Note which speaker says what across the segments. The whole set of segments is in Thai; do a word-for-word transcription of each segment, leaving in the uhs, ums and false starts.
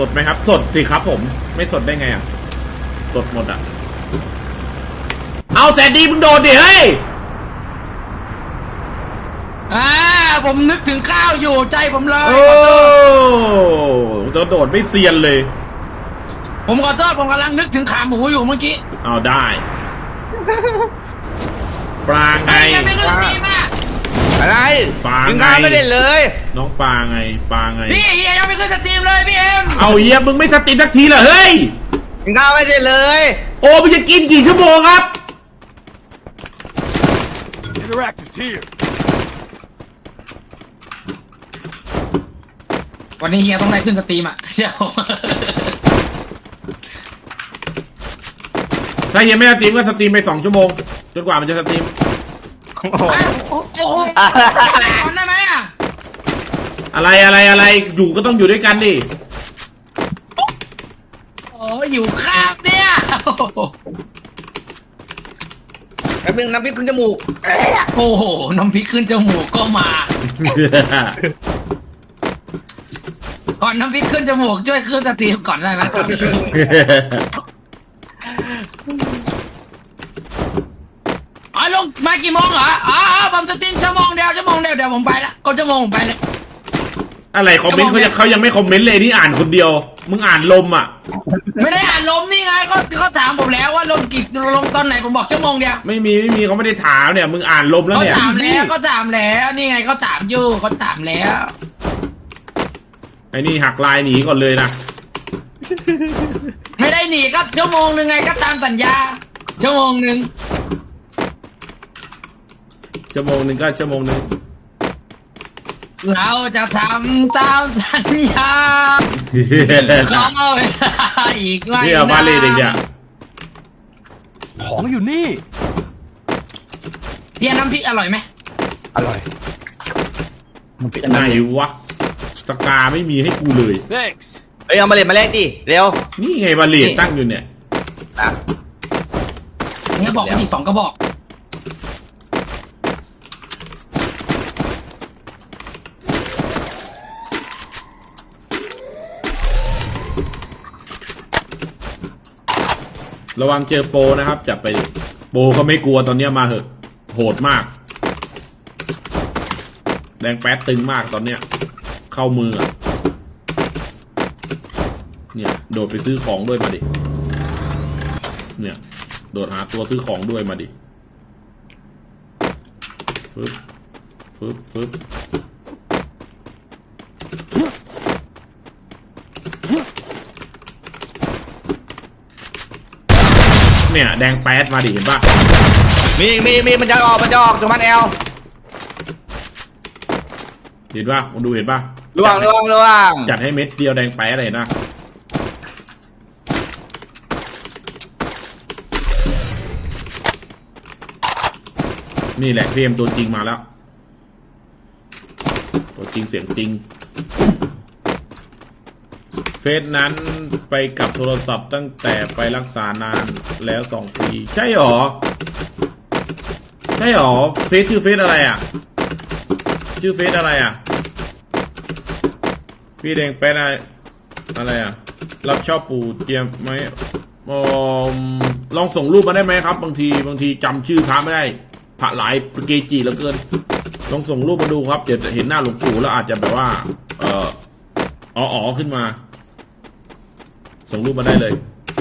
Speaker 1: สดไหมครับสดสิครับผมไม่สดได้ไงอ่ะสดหมดอ่ะเอาแสนดีมึงโดนดิเฮ้ย
Speaker 2: อ่าผมนึกถึงข้าวอยู่ใจผมเลย
Speaker 1: โอ้โดนโดดไม่เซียนเลย
Speaker 2: ผมขอโทษผมกำลังนึกถึงขาหมูอยู่เมื่อกี้
Speaker 1: เอาได้ปลาไง
Speaker 2: ยังไม่ขึ้นสตรีมอ่ะ
Speaker 3: อะไร
Speaker 1: ปลาไง
Speaker 3: ไม่เล่นเลย
Speaker 1: น้องปลาไงปลาไง
Speaker 2: พี่เฮียยังไม่ขึ้นสตรีมเลยพี่เอ็ม
Speaker 1: เอาเฮียมึงไม่สตรีมสักทีเหรอเฮ้ย
Speaker 3: กินข้าวไม่ได้เลย
Speaker 1: โอ้มึงจะกินกี่ชั่วโมงครับ
Speaker 2: วันนี้เฮียต้องได้ขึ้นสตรีมอ่ะเชี่ยว
Speaker 1: ถ้าเฮียไม่สตรีมก็สตรีมไปสองชั่วโมงจนกว่ามันจะสตรีม
Speaker 2: โอ้โหได้ไหมอ่ะ
Speaker 1: อะไรอะไรอะไรอยู่ก็ต้องอยู่ด้วยกันดิ
Speaker 2: โอ้อยู่ข้างเนี่ย
Speaker 3: แป๊บนึงน้ำพริกขึ้นจมูก
Speaker 2: โอ้โหน้ำพริกขึ้นจมูกก็มาก่อนน้ำพริกขึ้นจมูกช่วยขึ้นสตรีมก่อนได้ไหมครับอ๋อลงมากี่โมงเหรออ๋อผมสตรีมชั่วโมงเดียวชั่วโมงเดียวเดี๋ยวผมไปละก็ชั่วโมงผมไปเลย
Speaker 1: อะไรคอมเมนต์เขายังเขายังไม่คอมเมนต์เลยนี่อ่านคนเดียวมึงอ่านลมอ่ะ
Speaker 2: ไม่ได้อ่านลมนี่ไงเขาเขาถามผมแล้วว่าลงกี่ลงตอนไหนผมบอกชั่วโมงเดียว
Speaker 1: ไม่มีไม่มีเขาไม่ได้ถามเนี่ยมึงอ่านลมแล้วเนี่ย
Speaker 2: เขาถามแล้วเขาถามแล้วนี่ไงเขาถามอยู่เขาถามแล้ว
Speaker 1: ไอ้นี่หักลายหนีก่อนเลยนะ
Speaker 2: ไม่ได้หนีก็ชั่วโมงหนึ่งไงก็ตามสัญญาชั่วโมงหนึ่ง
Speaker 1: ชั่วโมงหนึ่งก็ชั่วโมงหนึ่ง
Speaker 2: เราจะทำตามสัญญาขอเวลาอีกไม่นาน
Speaker 1: นี่เอามาเลยเด็กอ่ะ
Speaker 4: ของอยู่นี่
Speaker 2: เพี้ยน้ำพริกอร่อยไหม
Speaker 3: อร่อย
Speaker 1: มันเป็นไงวะสกาไม่มีให้กูเลย
Speaker 3: thanks เอ้ยเอามาเล่นมาเล่นดิเร็ว
Speaker 1: นี่ไงมาเล่นตั้งอยู่เนี่ย
Speaker 2: เนี่ยบอกอีกสองกระบอก
Speaker 1: ระวังเจอโปนะครับจับไปโปเขาไม่กลัวตอนนี้มาเหอะโหดมากแดงแป๊ดตึงมากตอนเนี้ยเข้ามือเนี่ยโดดไปซื้อของด้วยมาดิเนี่ยโดดหาตัวซื้อของด้วยมาดิฟึบฟึบฟึบเนี่ยแดงแป๊ดมาดิเห็นปะ
Speaker 3: มีมีมีมันจะออกมันจะออกจากมันแอล
Speaker 1: เห็นปะคุณดูเห็นปะ
Speaker 3: ล่วงล่วงล่วง
Speaker 1: จัดให้เม็ดเดียวแดงแป๊ดเลยนะนี่แหละพีเอ็มตัวจริงมาแล้วตัวจริงเสียงจริงเฟซนั้นไปกับโทรศัพท์ตั้งแต่ไปรักษานานแล้วสองปีใช่หรอใช่หรอเฟซชื่อเฟซอะไรอ่ะชื่อเฟซอะไรอ่ะพี่แดงแป๊ดอะไรอะไรอ่ะรับชอบปู่เจียมไหมอลองส่งรูปมาได้ไหมครับบางทีบางทีจำชื่อพระไม่ได้พระหลายเกจิเหลือเกินลองส่งรูปมาดูครับเดี๋ยวเห็นหน้าหลวงปู่แล้วอาจจะแบบว่าเอออ๋ออ๋อขึ้นมาส่งรูปมาได้เลย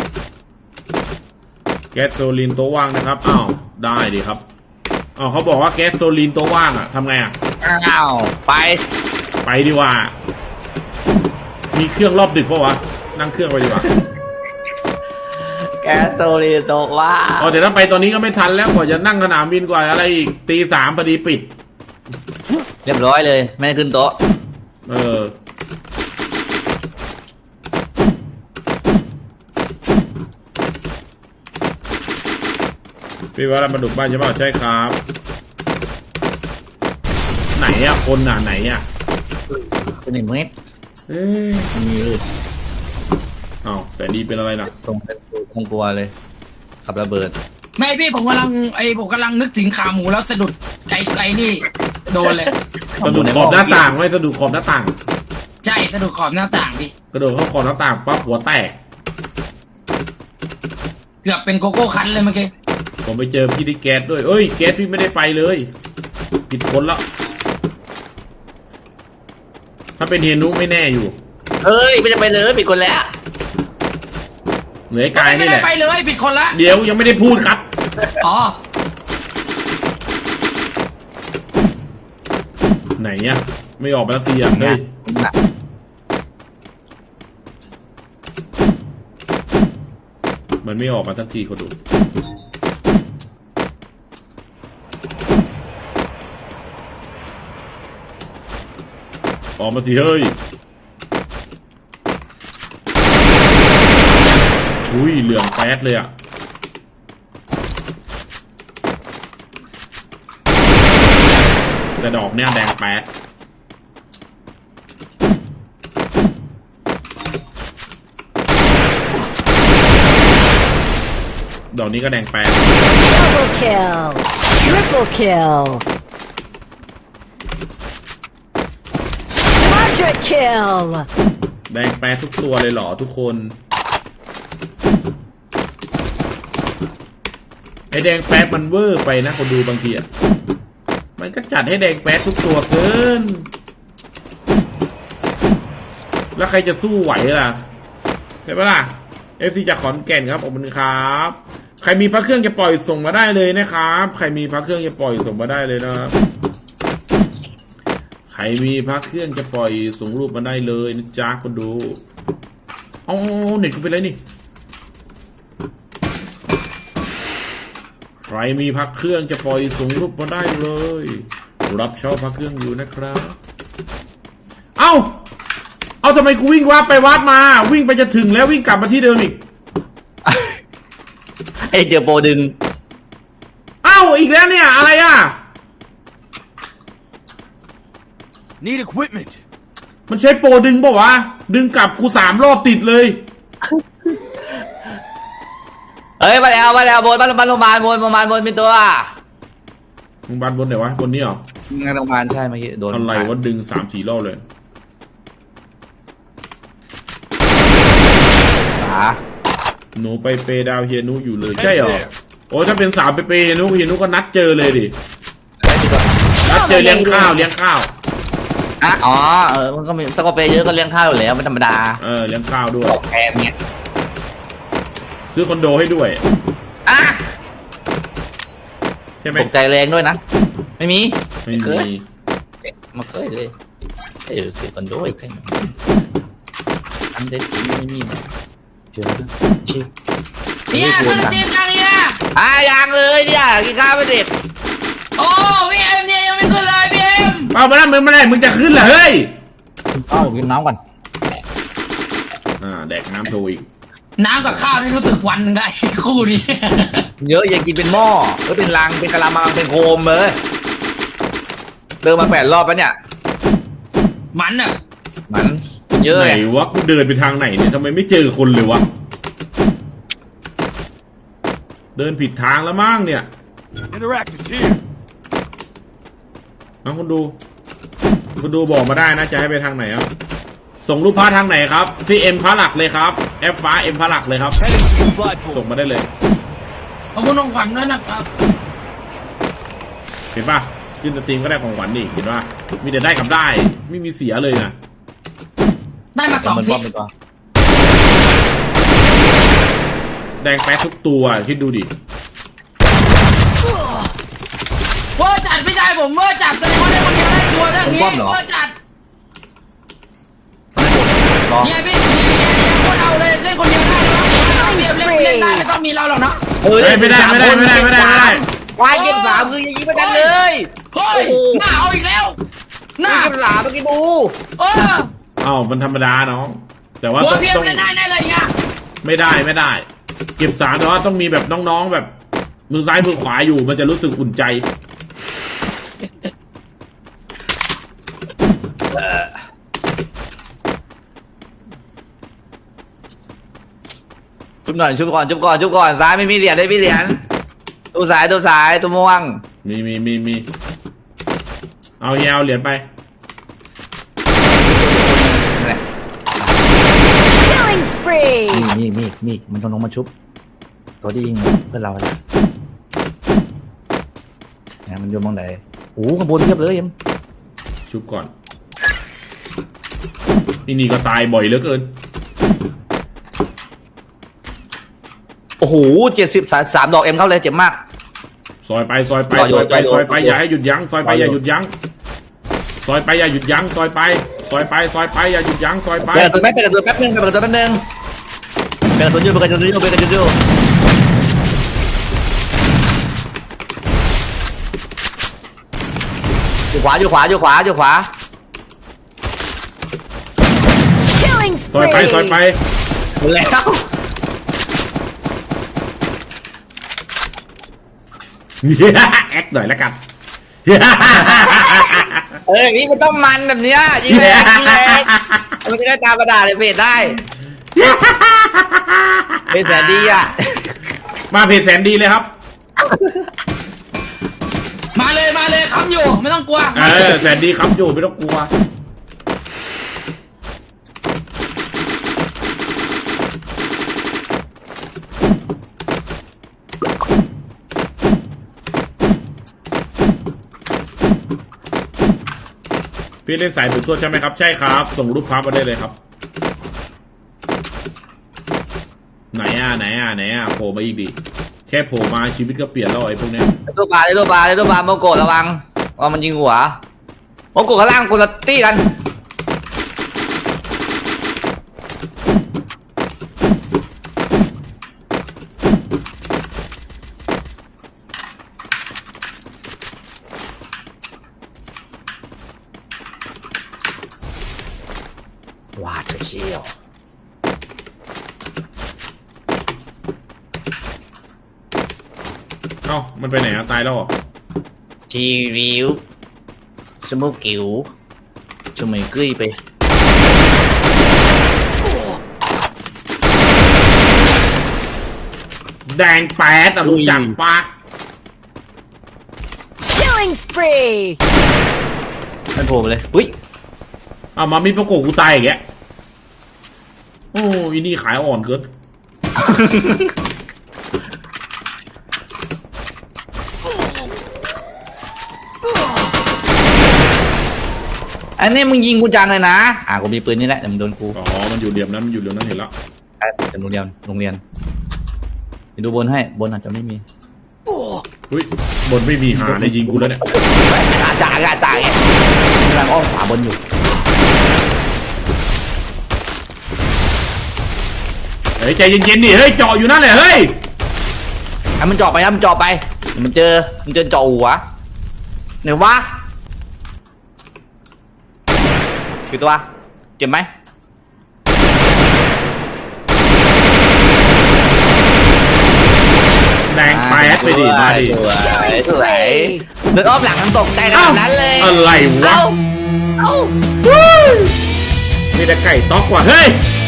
Speaker 1: แก๊สโซลีนตัวว่างนะครับอ้าวได้ดีครับอ้าวเขาบอกว่าแก๊สโซลีนตัวว่างอ่ะทำไงอ่ะ
Speaker 3: อ้าวไป
Speaker 1: ไปดีกว่ามีเครื่องรอบดึกปะวะนั่งเครื่องไปดีกว่า
Speaker 3: แก๊สโซลีนตัวว่าง
Speaker 1: อ๋อเดี๋ยวถ้าไปตอนนี้ก็ไม่ทันแล้วกว่าจะนั่งสนามบินกว่าอะไรอีกตีสามพอดีปิด
Speaker 3: เรียบร้อยเลยไม่ได้ขึ้นโต๊ะ
Speaker 1: เออพี่ว่าเรามาดุบ้านใช่ป่ะใช่ครับไหนอะคนอ่ะไหนอะ
Speaker 3: เป็นหนึ่งเมตร
Speaker 1: เอ้ยมีเลยอ้าวแต่ดีเป็นอะไรนะ
Speaker 3: ส่งเป็นคงกลัวเลยขับระเบิด
Speaker 2: ไม่พี่ผมกำลังไอ้ผมกำลังนึกถึงขาหมูแล้วสะดุดไก่ไก่นี่โดนเลย
Speaker 1: สะดุดขอบหน้าต่างไม่สะดุดขอบหน้าต่าง
Speaker 2: ใช่สะดุดขอบหน้าต่างพี่
Speaker 1: กระโดดเข้าคอหน้าต่างปั๊บหัวแตก
Speaker 2: เกือบเป็นโกโก้คันเลยเมื่อกี้
Speaker 1: ผมไปเจอพี่ที่แก๊สด้วยเอ้ยแก๊สพี่ไม่ได้ไปเลยผิดคนแล้วถ้าเป็นเฮนุไม่แน่อยู่
Speaker 3: เฮ้ยไม่จะไปเลยปิดคนแล้ว
Speaker 1: เหนือไอ้กาย
Speaker 2: ไม่
Speaker 1: นี่แห
Speaker 2: ได้
Speaker 1: ละ
Speaker 2: ไปเลยผิดคนละ
Speaker 1: เดี๋ยวยังไม่ได้พูดครับ
Speaker 2: อ๋อ
Speaker 1: ไหนเนี่ยไม่ออกมาสักทีอ่ะเฮ้ยมันไม่ออกมาสักทีเขาดูออกมาสิเฮ้ยอุ้ยเหลืองแป๊ดเลยอ่ะแต่ดอกเนี่ยแดงแป๊ดดอกนี้ก็แดงแป๊ด
Speaker 4: Double kill. Triple kill. Quadra kill.
Speaker 1: แดงแป๊ดทุกตัวเลยเหรอทุกคนไอแดงแป๊ดมันเวอร์ไปนะคนดูบางทีอ่ะมันก็จัดให้แดงแป๊ดทุกตัวเกินแล้วใครจะสู้ไหวล่ะใช่ปะล่ะ เอฟ ซี จากขอนแก่นครับขอบคุณครับใครมีพระเครื่องจะปล่อยส่งมาได้เลยนะครับใครมีพระเครื่องจะปล่อยส่งมาได้เลยนะครับใครมีพระเครื่องจะปล่อยส่งรูปมาได้เลยนะจ๊ะคนดูเอาเน็ตกูเป็นไรนี่ใครมีพระเครื่องจะปล่อยส่งรูปมาได้เลยรับชอบพระเครื่องอยู่นะครับเอ้าเอาทำไมกูวิ่งวาดไปวาดมาวิ่งไปจะถึงแล้ววิ่งกลับมาที่เดิมอีก
Speaker 3: ไอ้เจอโปรดึง
Speaker 1: เอ้าอีกแล้วเนี่ยอะไรอ่ะ
Speaker 5: Need equipment.
Speaker 1: มันใช้โปรดึงเปล่าวะดึงกลับกูสามรอบติดเลย
Speaker 3: เฮ้ยมาแล้วมาแล้วบนบ้านบ้านโรงพยาบาลบนโรงพยาบาลบนมีตัว
Speaker 1: มึงบันบนไหนวะบนนี้เหรอง
Speaker 3: านโรงพยาบาลใช่เมื่อกี้โดน
Speaker 1: อะไรวะดึงสามสี่รอบเลย
Speaker 3: ขา
Speaker 1: หนูไปเปดาวเฮียนุอยู่เลยใช่เหรอโอ้ถ้าเป็นสาวไปเปเฮียนุเฮียนุก็นัดเจอเลยดินัดเจอเลี้ยงข้าวเลี้ยงข้าว
Speaker 3: อ่ะอ๋อเออมันก็มีตะกไปเยอะก็เลี้ยงข้าวอยู่แล้วมันธรรมดา
Speaker 1: เออเลี้ยงข้าวด้วย
Speaker 3: แพงเงี้ย
Speaker 1: ซื้อคอนโดให้ด้วย
Speaker 3: อ่ะ
Speaker 1: ใช่ไหม
Speaker 3: ตกใจแรงด้วยนะไม่มี
Speaker 1: ไม่
Speaker 3: เค
Speaker 1: มี
Speaker 3: ยมาเคยเลยเออเสียกันด้วยแค่อันเด็ดไม่มีนะเชื่อเชื่อ
Speaker 2: เนี่ยคือสตรีมจังเนี่ย
Speaker 3: อ่ะยังเลยเนี่ยกินข้าวไม่เด็ด
Speaker 2: โอ้พี่เอ็มเนี่ยยังไม่ขึ้นเลยพี่เอ็ม
Speaker 1: เอามาแล้วมึงไม่ได้มึงจะขึ้นเหรอเฮ้ย
Speaker 3: เอ้ากินน้ำก่อน
Speaker 1: อ่าแดกน้ำโชว์อีก
Speaker 2: น้ำกับข้าวนี่รู้สึกวันหนึ่งได้ คู่นี้
Speaker 3: เยอะอย่ากินเป็นหม้อก็เป็นลังเป็นกะละมังเป็นโคมเลยเดินมาแปดรอบแล้วเนี่ย
Speaker 2: มันอ่ะ
Speaker 3: มันเยอะ
Speaker 1: ไหน
Speaker 3: ไง
Speaker 1: วะกูเดินไปทางไหนเนี่ยทำไมไม่เจอคนเลยวะเดินผิดทางแล้วมั้งเนี่ย
Speaker 5: Interactive here.
Speaker 1: น้องคุณดูคุณดูบอกมาได้นะจะให้ไปทางไหนครับส่งรูปพระทางไหนครับที่เอ็มพระหลักเลยครับแอฟฟ้าเอ็มพระหลักเลยครับ
Speaker 5: Heading to supply
Speaker 1: ส่ง
Speaker 5: point.
Speaker 1: มาได้เลย
Speaker 2: ขอบคุณน้องขวัญด้วยนะครับ
Speaker 1: เห็นป่ะขึ้นสตรีมก็ได้ของขวัญดิเห็นป่ะมีแต่ได้กับได้ไม่มีเสียเลยนะ
Speaker 2: ได้มาสองทิศ
Speaker 1: แดงแป๊ดทุกตัวคิดดูดิ
Speaker 2: เวอร์จัดพี่ชายผมเวอร์จัดแสดงว่าเล่นคนเดียวได้ชัวร์เรื่องนี้เวอร์จัดเนี่ยพี่เนี่ยคนเอาเลยเล่นคนเดียวได้เลยว่าเล่นเล่นเล่นได้ไม่ต้องมีเราหรอกเนาะ
Speaker 1: เฮ้ยไม่ได้ไม่ได้ไม่ได้ไม่ได้ไม่ได้
Speaker 3: วายเก็บสามคือยังยิงไม่กันเลย
Speaker 2: เฮ้ยหน้าเอาอีกแล้วหน้า
Speaker 3: เก็บสามเมื่อกี้บู
Speaker 2: เออ
Speaker 1: เอ้ามันธรรมดาน้องแต่ว่า
Speaker 2: หัว
Speaker 1: ต้อง
Speaker 2: เพียง
Speaker 1: ต้อง
Speaker 2: เล่นได้แน่เลยเนี่ย
Speaker 1: ไม่ได้ไม่ได้ เก็บสามแต่ว่าต้องมีแบบน้องๆแบบมือซ้ายมือขวาอยู่มันจะรู้สึกอุ่นใจ
Speaker 3: ชุบหน่อยชุบก่อนชุบก่อนชุบก่อนซ้ายไม่มีเหรียญได้มีเหรียญตัวสายตัวสายตัวม่วง
Speaker 1: มีมีมีมีเอาเฮียเอาเหรียญไป
Speaker 3: นั่นแหละ
Speaker 4: Killing spree!
Speaker 3: มีมีมีมีมันต้องลงมาชุบ ตัวที่ยิงเพื่อนเราเลยนะมันอยู่มองไหนโอ้ขบวนเทียบเลยเอ็ม
Speaker 1: ชุบก่อนนี่นี่ก็ตายบ่อยเหลือเกิน
Speaker 3: โอ้โหเจ็ดสิบสามดอกเอ็มเข้าเลยเจ็บมาก
Speaker 1: ซอยไปซอยไป
Speaker 3: ต่อ
Speaker 1: ซ
Speaker 3: อยู่
Speaker 1: อยไป
Speaker 3: ต่ออยู่
Speaker 1: ซอยไป
Speaker 3: ต่ออยู่
Speaker 1: อย่าให้หยุดยั้งซอยไป
Speaker 3: ต่ออยู่
Speaker 1: อย่าหยุดยั้งซอยไปอย่าหยุดยั้งซอยไปซอยไปซอยไปอย่าหยุดยั้งซอยไป
Speaker 3: เปิดตัวแป๊บเปิดตัวแป๊บนึงเปิดตัวแป๊บนึงเปิดตัวยูเปิดตัวยูเปิดตัวยูอยู่ขวาอยู่ขวาอยู่ขวาอยู่ขวา
Speaker 4: Killing
Speaker 1: ซอยไปซอยไป
Speaker 4: spree!
Speaker 3: หมดแล้ว
Speaker 1: แอคหน่อยแล้วกัน
Speaker 3: เอ้ยนี่มันต้องมันแบบเนี้ยยิงแรงยิงแรงมันจะได้ตามกระดาษเลยเพจได้เพจแสนดีอ่ะ
Speaker 1: มาเพจแสนดีเลยครับ
Speaker 2: มาเลยมาเลยค้ำอยู่ไม่ต้องกลัว
Speaker 1: เออแสนดีครับอยู่ไม่ต้องกลัวพี่เล่นสายดูดตัวใช่ไหมครับใช่ครับส่งรูปภาพมาได้เลยครับไหนอ่ะไหนอ่ะไหนอ่ะโผล่มาอีกดิแค่โผล่มาชีวิตก็เปลี่ยนแล้วไอ้พวกเนี้ย
Speaker 3: ตัวปลาเลยตัวปลาเลยตัวปลาโมโกะระวังว่ามันยิงหัวโมโกะข้างล่างคนละตี้กันว้าเธอเชี่ยว
Speaker 1: เอ้ามันไปไหนอ่ะตายแล้วเหรอ
Speaker 3: ชีวิวสมุกิวสมัยกุ้ยไป
Speaker 1: แดงแปดอ่ะรู้จักปะ
Speaker 4: Killing spree!
Speaker 3: มันโผล่มาเลยอุ้ย
Speaker 1: เอามามีประกบกูตายอย่างเงี้ยโอ้ยนี่ขายอ่อนเกิน
Speaker 3: อันนี้มึงยิงกูจังเลยนะอ่ะกูมีปืนนี่แหละแต่มึงโดนกู
Speaker 1: อ๋อมันอยู่เหลี่ยมนั้นมันอยู่เหลี่ยมนั้นเห็นแล้ว
Speaker 3: อ่ะแต่โรงเรียนโรงเรียนเดี๋ยวดูบนให้บนอาจจะไม่มี
Speaker 1: อุ้ยบนไม่มีหาในยิงกูแล้วเนี่ย
Speaker 3: อาจ่าอาจ่าไงกำลังอ้อมขวาบนอยู่
Speaker 1: เฮ้ยใจเย็นๆดิเฮ้ยเจาะอยู่นั่นแหละเฮ้ย
Speaker 3: ให้มันเจาะไปนะมันเจาะไปมันเจอมันเจอเจาะหัวไหนวะกี่ตัวเจ็บไหม
Speaker 1: แดงแปดไปดิมาดิ
Speaker 3: สวยสวยเดินอ้อมหลังมันตกใจขนาดนั้นเลย
Speaker 1: อะไรวะ
Speaker 3: เอ้าเอ้า
Speaker 1: มีแต่ไก่ต๊อกว่ะเฮ้ย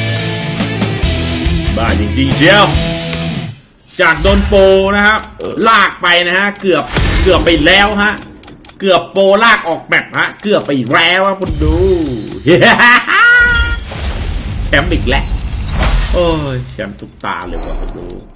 Speaker 1: บ้าจริงๆเชียวจากโดนโปนะครับ ลากไปนะฮะเกือบเกือบไปแล้วฮะเกือบโปลากออกแบบฮะเกือบไปแล้วฮะคุณดู แชมป์อีกแล้วโอ้ยแชมป์ทุกตาเลยว่ะคุณดู